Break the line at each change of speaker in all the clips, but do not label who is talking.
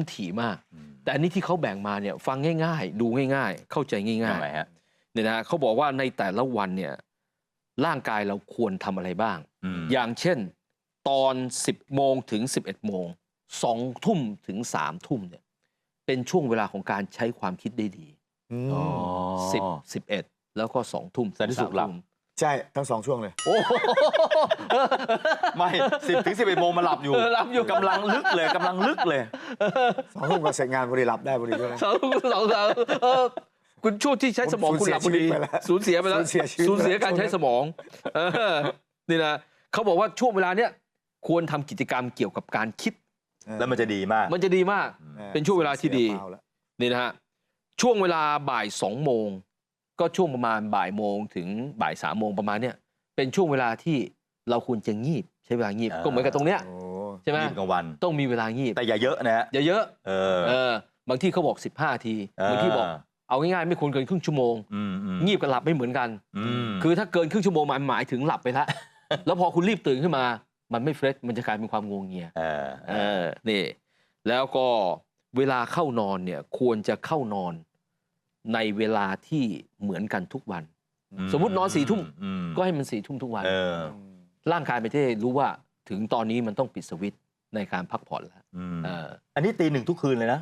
มันถี่มากแต่อันนี้ที่เขาแบ่งมาเนี่ยฟังง่ายๆดูง่ายๆเข้าใจง่ายๆเนี่ยนะเขาบอกว่าในแต่ละวันเนี่ยร่างกายเราควรทำอะไรบ้างอย่างเช่นตอน10 โมงถึง 11 โมง2 ทุ่มถึง 3 ทุ่มเนี่ยเป็นช่วงเวลาของการใช้ความคิดได้ดี10 11แล้วก็2 ทุ่ม
สันติสุขหลับ
ใช่ทั้ง2 ช่วงเลย
โอ้ไม่10 ถึง 11 โมงมาหลับอยู่กำลังลึกเลย
2 ทุ่มก็เสร็จงานพอดีหลับได้พอดีด้วย
2 ทุ่มคุณช่วงที่ใช้สมองคุณหลับพอดีสูญเสียไปแล้วสูญเสียการใช้สมองนี่นะเขาบอกว่าช่วงเวลาเนี้ยควรทำกิจกรรมเกี่ยวกับการคิด
แล้วมันจะดีมาก
เป็นช่วงเวลาที่ดีนี่นะฮะช่วงเวลาบ่าย2 โมงก็ช่วงประมาณบ่ายโมงถึงบ่าย3 โมงประมาณเนี้ยเป็นช่วงเวลาที่เราควรจะงีบใช้เวลางีบก็เหมือนกับตรงเนี้ยใช่ไหม
กลางวัน
ต้องมีเวลางีบ
แต่อย่าเยอะนะ
อย่าเยอะบางที่เขาบอก15 ทีบางที่บอกเอาง่ายๆไม่ควรเกินครึ่งชั่วโมงงีบกับหลับไม่เหมือนกันคือถ้าเกินครึ่งชั่วโมงมันหมายถึงหลับไปแล้วแล้วพอคุณรีบตื่นขึ้นมามันไม่เฟรชมันจะกลายเป็นความงวงเงียนี่แล้วก็เวลาเข้านอนเนี่ยควรจะเข้านอนในเวลาที่เหมือนกันทุกวันสมมุตินอน4 ทุ่มก็ให้มัน4 ทุ่มทุกวันร่างกายไม่ได้รู้ว่าถึงตอนนี้มันต้องปิดสวิตช์ในการพักผ่อนแล้ว
อันนี้ตี 1ทุกคืนเลยนะ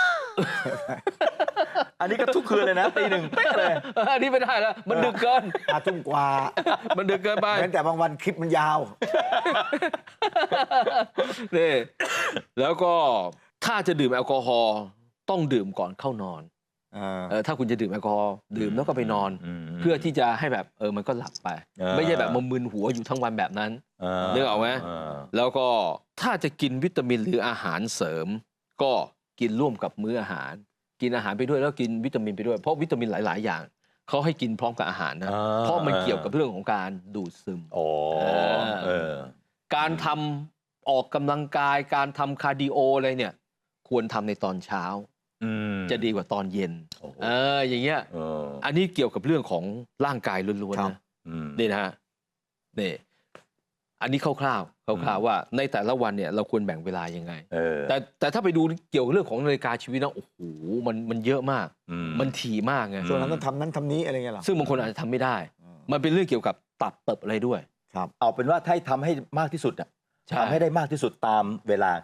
อันนี้ก็ทุกคืนเลยนะตี 1เป๊ะเลย
อันนี้ไม่ได้แล้วมันดึกเกิน
5 ทุ่มกว่า
มันดึกเกินไป
แต่บางวันคลิปมันยาว
นี่แล้วก็ถ้าจะดื่มแอลกอฮอล์ต้องดื่มก่อนเข้านอนถ้าคุณจะดื่มแอลกอฮอล์ดื่มแล้วก็ไปนอนเพื่อที่จะให้แบบมันก็หลับไปไม่ใช่แบบมึนหัวอยู่ทั้งวันแบบนั้นนึกออกไหมแล้วก็ถ้าจะกินวิตามินหรืออาหารเสริมก็กินร่วมกับมื้ออาหารกินอาหารไปด้วยแล้วกินวิตามินไปด้วยเพราะวิตามินหลายๆอย่างเขาให้กินพร้อมกับอาหารนะเพราะมันเกี่ยวกับเรื่องของการดูดซึมการทำออกกำลังกายการทำคาร์ดิโออะไรเนี่ยควรทำในตอนเช้าจะดีกว่าตอนเย็นอย่างเงี้ยอันนี้เกี่ยวกับเรื่องของร่างกายล้วนๆนะนี่นะฮะนี่อันนี้คร่าวๆว่าในแต่ละวันเนี่ยเราควรแบ่งเวลายังไงแต่ถ้าไปดูเกี่ยวกับเรื่องของนาฬิกาชีวิตนะโอ้โหมันเยอะมากมันถี่มากไง
ส่วนนั้นต้องทำนั้นทำนี้อะไรเงี้ยหรอ
ซึ่งบางคนอาจจะทำไม่ได้มันเป็นเรื่องเกี่ยวกับตับเติบอะไรด้วย
เอาเป็นว่าถ้าทำให้มากที่สุดทำให้ได้มากที่สุดตามเวลา